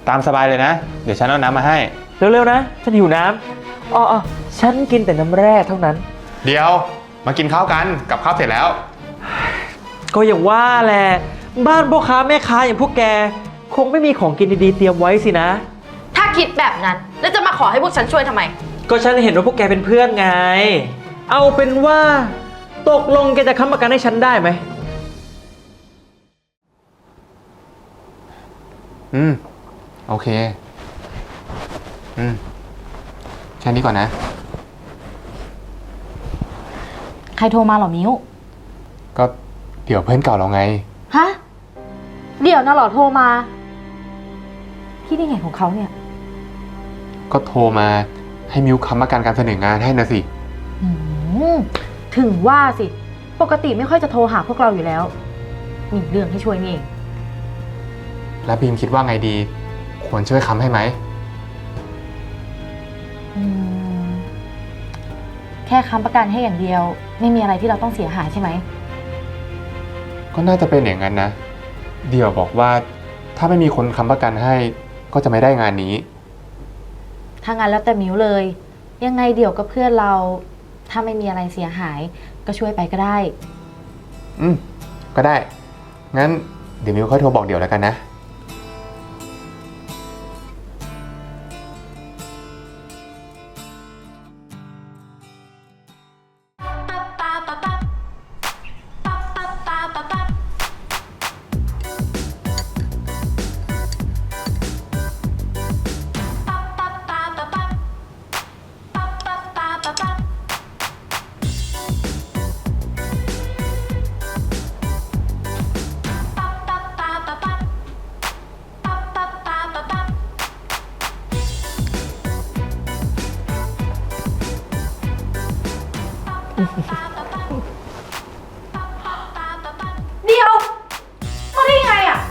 ตามสบายเลยนะ เดี๋ยวฉันเอาน้ำมาให้เร็วๆนะฉันหิวน้ำอ๋อฉันกินแต่น้ำแร่เท่านั้นเดี๋ยวมากินข้าวกันกับข้าวเสร็จแล้วก็อย่างว่าแหละบ้านพ่อค้าแม่ค้าอย่างพวกแกคงไม่มีของกินดีๆเตรียมไว้สินะถ้าคิดแบบนั้นแล้วจะมาขอให้พวกฉันช่วยทำไมก็ฉันเห็นว่าพวกแกเป็นเพื่อนไงเอาเป็นว่าตกลงแกจะค้ำประกันให้ฉันได้ไหมโอเคแค่นี้ก่อนนะใครโทรมาหรอมิ้วก็เดี๋ยวเพื่อนเก่าเราไงฮะเดี๋ยวนะหรอโทรมาพี่ได้ไงของเขาเนี่ยก็โทรมาให้มิวค้ำประกันการเสนองานให้นะสิถึงว่าสิปกติไม่ค่อยจะโทรหาพวกเราอยู่แล้วมีเรื่องให้ช่วยนี่เองแล้วบีมคิดว่าไงดีควรช่วยค้ำให้ไหมแค่ค้ำประกันให้อย่างเดียวไม่มีอะไรที่เราต้องเสียหายใช่ไหมก็น่าจะเป็นอย่างนั้นนะเดี๋ยวบอกว่าถ้าไม่มีคนค้ำประกันให้ก็จะไม่ได้งานนี้ถ้างั้นแล้วแต่มิวเลยยังไงเดี๋ยวกับเพื่อนเราถ้าไม่มีอะไรเสียหายก็ช่วยไปก็ได้ก็ได้งั้นเดี๋ยวมิวค่อยโทรบอกเดี๋ยวแล้วกันนะเดี๋ยวมาได้ไงอ่ะ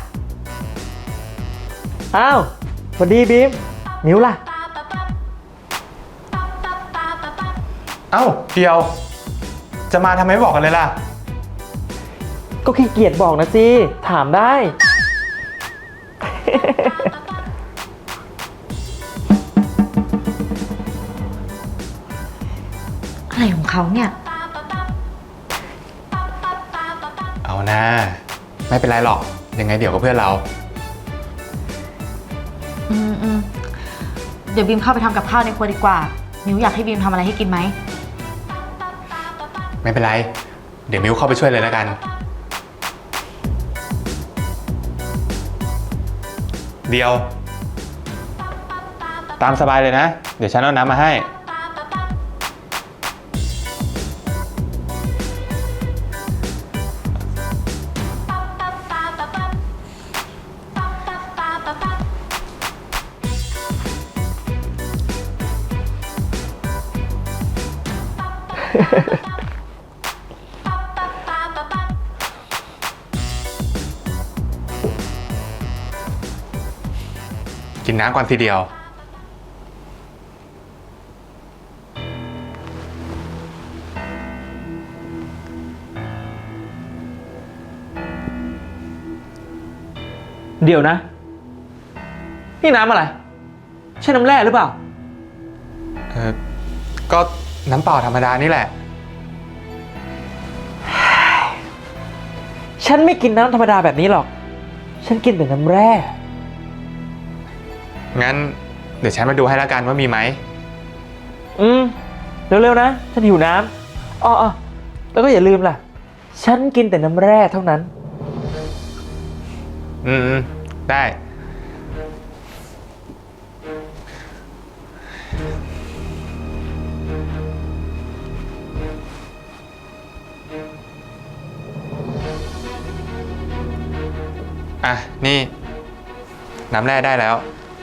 อ้าวสวัสดีบีมมิวล่ะเอ้าเดียวจะมาทำไมไม่บอกกันเลยล่ะก็ขี้เกียจบอกนะสิถามได้อะไรของเขาเนี่ยเอานะไม่เป็นไรหรอกยังไงเดี๋ยวกับเพื่อนเราเดี๋ยวบีมเข้าไปทำกับข้าวในครัวดีกว่ามิวอยากให้บีมทำอะไรให้กินไหมไม่เป็นไรเดี๋ยวมิวเข้าไปช่วยเลยแล้วกันเดียวตามสบายเลยนะเดี๋ยวฉันเอาน้ำมาให้กินน้ำก่อนทีเดียวเดี๋ยวนะนี่น้ำอะไรใช่น้ำแร่หรือเปล่าก็น้ำเปล่าธรรมดานี่แหละฉันไม่กินน้ำธรรมดาแบบนี้หรอกฉันกินแต่น้ำแร่งั้นเดี๋ยวฉันมาดูให้แล้วกันว่ามีไหมเร็วๆนะฉันหิวน้ำอ๋อแล้วก็อย่าลืมล่ะฉันกินแต่น้ำแร่เท่านั้นได้นี่น้ำแร่ได้แล้ว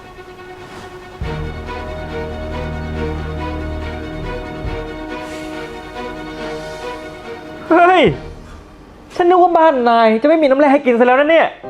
เฮ้ยฉันนึกว่าบ้านนายจะไม่มีน้ำแร่ให้กินซะแล้วนะเนี่ย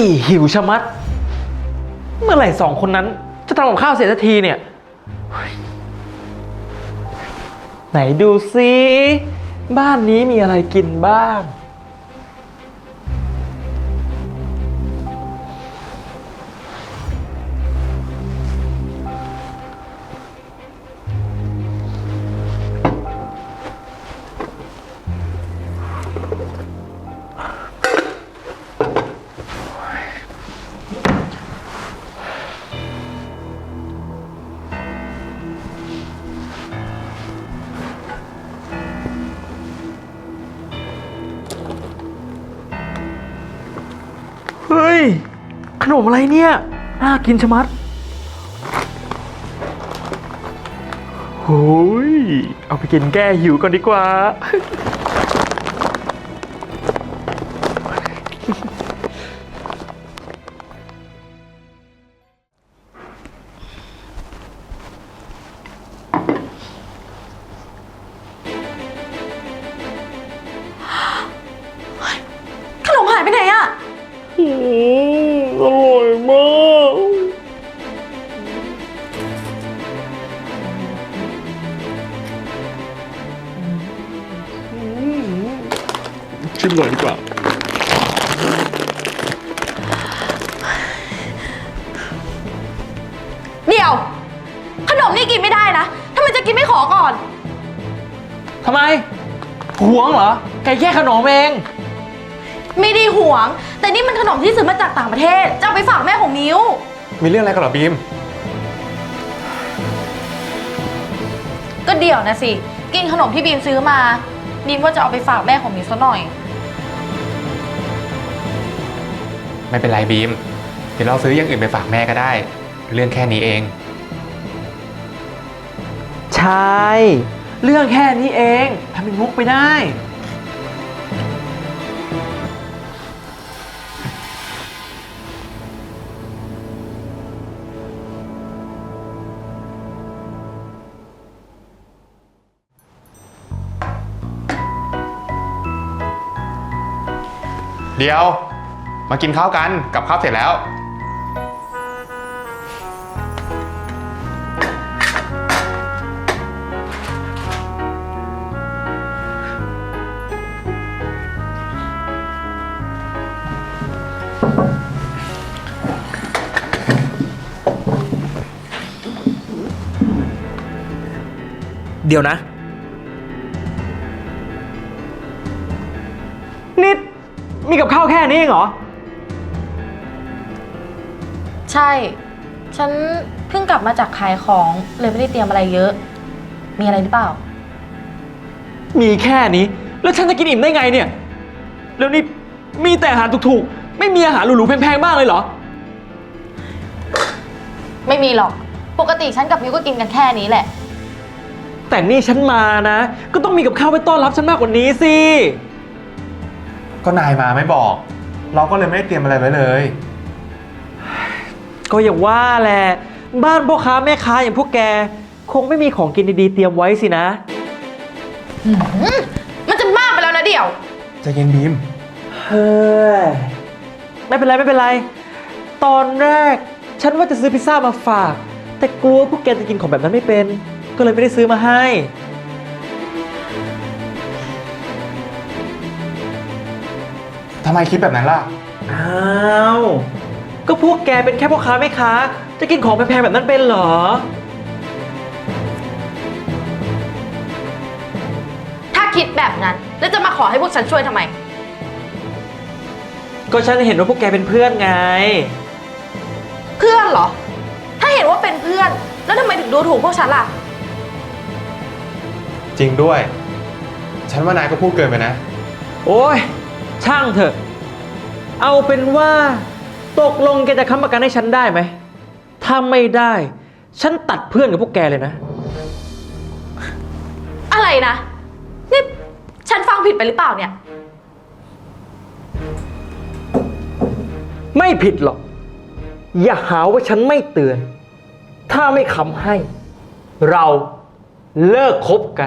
หิวชะมัด เมื่อไหร่สองคนนั้นจะทำกับข้าวเสร็จสักทีเนี่ยเฮ้ยไหนดูซิบ้านนี้มีอะไรกินบ้าง เฮ้ย ขนมอะไรเนี่ย น่ากินชะมัดโอ้ย เอาไปกินแก้หิวก่อนดีกว่าขนมหายไปไหนอะอร่อยมาก ชิมหน่อยดีกว่าเดี๋ยว ขนมนี่กินไม่ได้นะทำไมจะกินไม่ขอก่อนทำไมหวงเหรอ แกแค่ขนมเองไม่ได้หวง แต่นี่มันขนมที่ซื้อมาจากต่างประเทศ จะเอาไปฝากแม่ของมิ้วมีเรื่องอะไรกันเหรอบีมก็เดี๋ยวนะสิ กินขนมที่บีมซื้อมาบีมว่าจะเอาไปฝากแม่ของมิ้วซะหน่อยไม่เป็นไรบีม เดี๋ยวเราซื้ออย่างอื่นไปฝากแม่ก็ได้ เรื่องแค่นี้เองใช่ เรื่องแค่นี้เองทำเป็นมุกไปได้เดี๋ยว มากินข้าวกัน กับข้าวเสร็จแล้วเดี๋ยวนะ นิด มีกับข้าวแค่นี้เองเหรอใช่ ฉันเพิ่งกลับมาจากขายของเลยไม่ได้เตรียมอะไรเยอะ มีอะไรหรือเปล่ามีแค่นี้ แล้วฉันจะกินอิ่มได้ไงเนี่ย แล้วนี่มีแต่อาหารถูกๆ ไม่มีอาหารหรูๆแพงๆบ้างเลยเหรอไม่มีหรอก ปกติฉันกับมิ้วก็กินกันแค่นี้แหละแต่นี่ฉันมานะ ก็ต้องมีกับข้าวไว้ต้อนรับฉันมากกว่านี้สิก็นายมาไม่บอก เราก็เลยไม่ได้เตรียมอะไรไว้เลยก็อย่างว่าแหละ บ้านพ่อค้าแม่ค้าอย่างพวกแก คงไม่มีของกินดีๆเตรียมไว้สินะมันจะมากไปแล้วนะเดี๋ยวใจเย็นบีมเฮ้ย ไม่เป็นไรไม่เป็นไร ตอนแรกฉันว่าจะซื้อพิซซ่ามาฝาก แต่กลัวพวกแกจะกินของแบบนั้นไม่เป็น ก็เลยไม่ได้ซื้อมาให้ทำไมคิดแบบนั้นล่ะอ้าว ก็พวกแกเป็นแค่พ่อค้าแม่ค้า จะกินของแพงๆแบบนั้นเป็นเหรอถ้าคิดแบบนั้น แล้วจะมาขอให้พวกฉันช่วยทำไมก็ฉันเห็นว่าพวกแกเป็นเพื่อนไงเพื่อนเหรอ ถ้าเห็นว่าเป็นเพื่อน แล้วทำไมถึงดูถูกพวกฉันล่ะจริงด้วย ฉันว่านายก็พูดเกินไปนะโอ้ย ช่างเถอะ เอาเป็นว่าตกลงแกจะค้ำประกันให้ฉันได้ไหม ถ้าไม่ได้ ฉันตัดเพื่อนกับพวกแกเลยนะอะไรนะ นี่ฉันฟังผิดไปหรือเปล่าเนี่ยไม่ผิดหรอก อย่าหาว่าฉันไม่เตือน ถ้าไม่ค้ำให้ เราเลิกคบกัน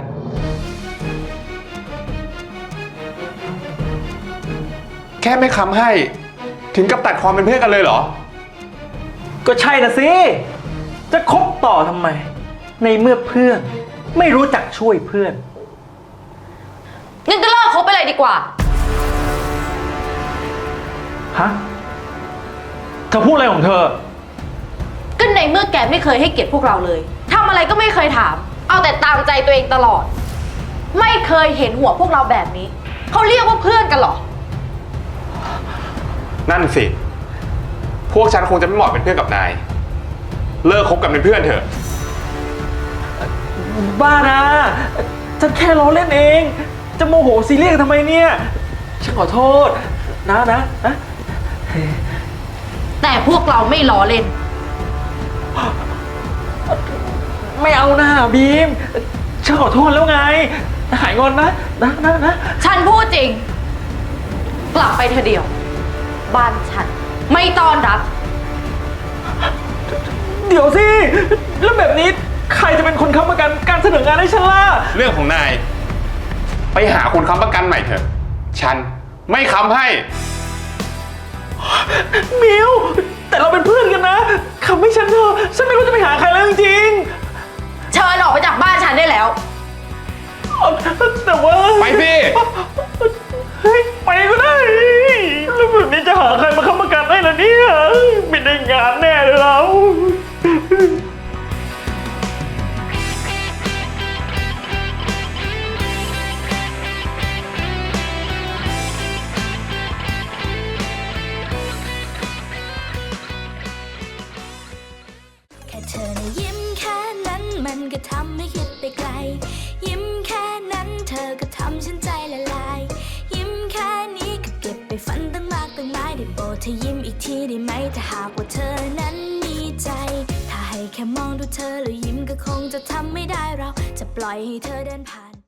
แค่ไม่ค้ำให้ถึงกับตัดความเป็นเพื่อนกันเลยเหรอก็ใช่นะสิ จะคบต่อทำไม ในเมื่อเพื่อนไม่รู้จักช่วยเพื่อนงั้นก็เลิกคบไปเลยดีกว่าฮะ เธอพูดอะไรของเธอก็ในเมื่อแกไม่เคยให้เกียรติพวกเราเลยทำอะไรก็ไม่เคยถาม เอาแต่ตามใจตัวเองตลอด ไม่เคยเห็นหัวพวกเราแบบนี้ เขาเรียกว่าเพื่อนกันเหรอนั่นสิ พวกฉันคงจะไม่เหมาะเป็นเพื่อนกับนาย เลิกคบกันเป็นเพื่อนเถอะบ้านะฉันแค่ล้อเล่นเอง จะโมโหซีเรียสทำไมเนี่ย ฉันขอโทษนะแต่พวกเราไม่ล้อเล่นไม่เอานะบีม ฉันขอโทษแล้วไง หายงอนนะฉันพูดจริง กลับไปเธอเดียว บ้านฉัน ไม่ต้อนรับเดี๋ยวสิ แล้วแบบนี้ใครจะเป็นคนค้ำประกันการเสนองานให้ฉันล่ะเรื่องของนาย ไปหาคนค้ำประกันใหม่เถอะ ฉันไม่ค้ำให้มิว แต่เราเป็นเพื่อนกันนะค้ำให้ฉันเถอะ ฉันไม่รู้จะไปหาใครแล้วจริงเชิญออกไปจากบ้านฉันได้แล้วๆแต่ว่าไปสิเฮ้ยไปก็ได้ แล้วแบบนี้จะหาใครมาค้ำประกันได้ล่ะเนี่ยไม่ได้งานแน่เลยเราแค่เธอนะยิ้มแค่นั้นมันก็ทำให้คิดไปไกล ยิ้มแค่นั้นเธอก็ทำฉันใจละลาย ยิ้มแค่นี้ก็เก็บไปฝันตั้งมากตั้งหลายได้โปรดเธอยิ้มอีกทีได้ไหมถ้าหากว่าเธอนั้นมีใจ ถ้าให้แค่มองดูเธอแล้วยิ้มก็คงจะทำไม่ได้เราจะปล่อยให้เธอเดินผ่าน